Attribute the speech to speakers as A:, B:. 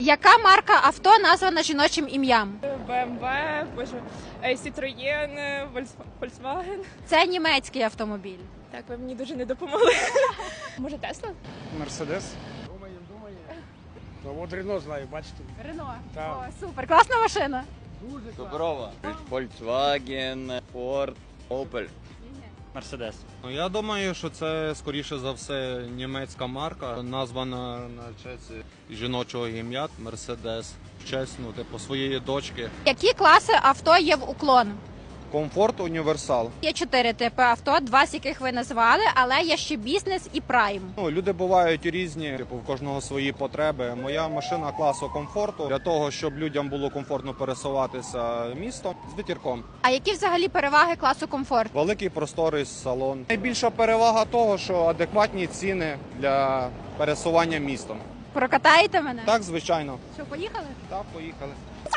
A: Яка марка авто названа жіночим ім'ям?
B: БМВ, Citroën, Volkswagen.
A: Це німецький автомобіль.
B: Так, ви мені дуже не допомогли. Може, Тесла?
C: Мерседес. Думає. Ну, от Рено знаю, бачите.
A: Рено.
C: Так.
A: О, супер, класна машина.
D: Доброва. Volkswagen, Ford, Opel.
E: Мерседес.
F: Ну, я думаю, що це, скоріше за все, німецька марка, названа на честь жіночого ім'я Мерседес. В честь, типу, своєї дочки.
A: Які класи авто є в уклон?
F: Комфорт, універсал.
A: Є 4 типи авто, 2 з яких ви назвали, але є ще бізнес і прайм.
F: Люди бувають різні, типу, в кожного свої потреби. Моя машина класу комфорту для того, щоб людям було комфортно пересуватися містом з витірком.
A: А які взагалі переваги класу комфорт?
F: Великий просторий салон. Найбільша перевага того, що адекватні ціни для пересування містом.
A: Прокатаєте мене?
F: Так, звичайно.
A: Що, поїхали?
F: Так, поїхали.